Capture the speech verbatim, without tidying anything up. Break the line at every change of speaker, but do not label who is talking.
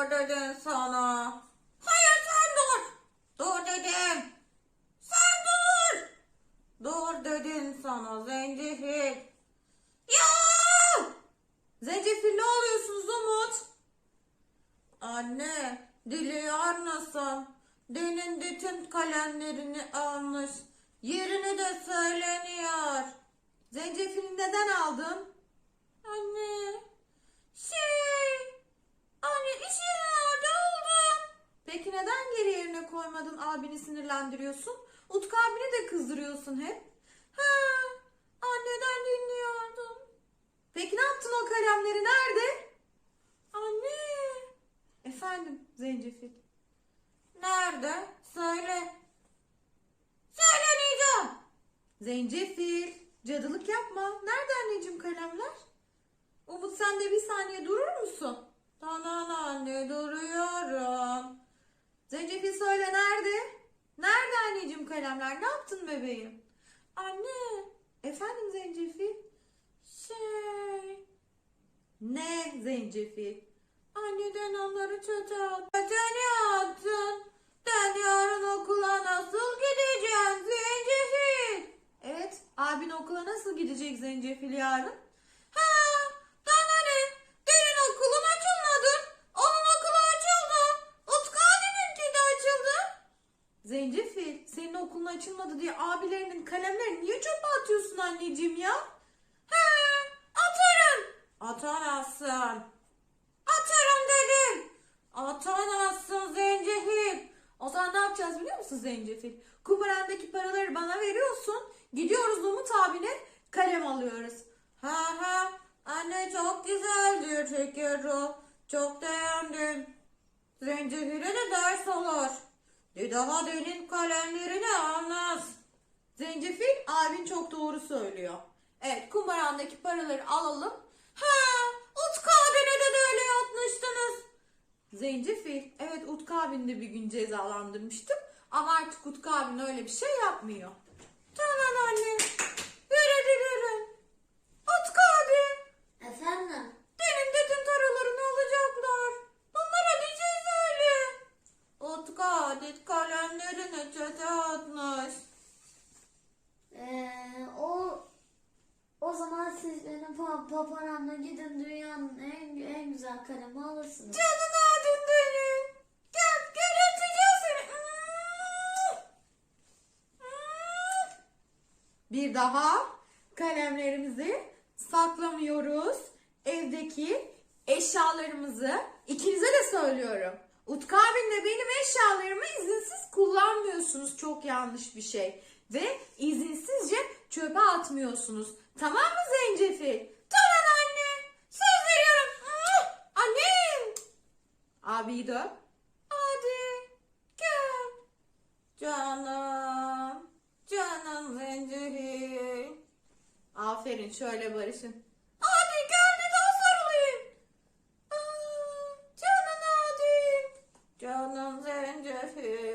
dur dedim sana. Hayır sen dur. Dur dedim. Sen dur. Dur dedim sana zencefil. Ya! Zencefil ne oluyorsunuz Umut? Anne, diliyor nasıl? Denin bütün kalemlerini almış. Yerini de söyleniyor. Zencefili neden aldın? Anne, şey, anne iş yeri nerede oldu? Peki neden geri yerine koymadın, abini sinirlendiriyorsun? Utku abini de kızdırıyorsun hep. Ha, anneden dinliyordum. Peki ne yaptın o kalemleri nerede? Anne. Efendim Zencefil. Nerede? Söyle. Söylemeyeceğim. Zencefil. Cadılık yapma. Nerede anneciğim kalemler? Umut sen de bir saniye durur musun? Tamam anne duruyorum. Zencefil söyle nerede? Nerede anneciğim kalemler? Ne yaptın bebeğim? Anne. Efendim Zencefil. Şey. Ne Zencefil? Anneden onları çöpe at. Çöpe attın. Ben yarın okula nasıl gideceğim Zencefil? Evet, abin okula nasıl gidecek Zencefil yarın? Ha, bana ne? Derin okulun açılmadı. Onun okulu açıldı. Utku abininki de açıldı. Zencefil, senin okulun açılmadı diye abilerinin kalemlerini niye çöpe atıyorsun anneciğim ya? Ha, atarım. Atamazsın. Atarım dedim. Atamazsın Zencefil. O zaman ne yapacağız biliyor musun Zencefil? Kumarandaki paraları bana veriyorsun. Gidiyoruz Umut abine kalem alıyoruz. Ha ha anne çok güzeldir şeker o. Çok beğendim. Zencefil'e de ders olur. Bir daha derin kalemlerini almaz. Zencefil abin çok doğru söylüyor. Evet kumarandaki paraları alalım. Ha Utku abine de böyle yapmıştınız. Zencefil, evet Utku abini de bir gün cezalandırmıştım. Ama artık Utku abin öyle bir şey yapmıyor. Tamam anne. Yürü yürü. Utku abi.
Efendim?
Benim dedim taralarını alacaklar. Bunlara bir şey söyle. Utku adet kalemlerini çöpe atmış.
Ee, o o zaman siz benim pa paparamla gidin dünyanın en en güzel kalemi alırsınız.
Canın adın benim. Gel gel öpeceğim seni. Bir daha kalemlerimizi saklamıyoruz. Evdeki eşyalarımızı ikinize de söylüyorum. Utku abinle benim eşyalarımı izinsiz kullanmıyorsunuz. Çok yanlış bir şey. Ve izinsizce çöpe atmıyorsunuz. Tamam mı Zencefil? Tamam anne. Söz veriyorum. Annem. Abiyi de öp. Hadi. Gel. Canım. Canım Zencefil. Aferin şöyle barışın. Hadi gel bir daha sarılayım. Aa, canım hadi. Canım Zencefil.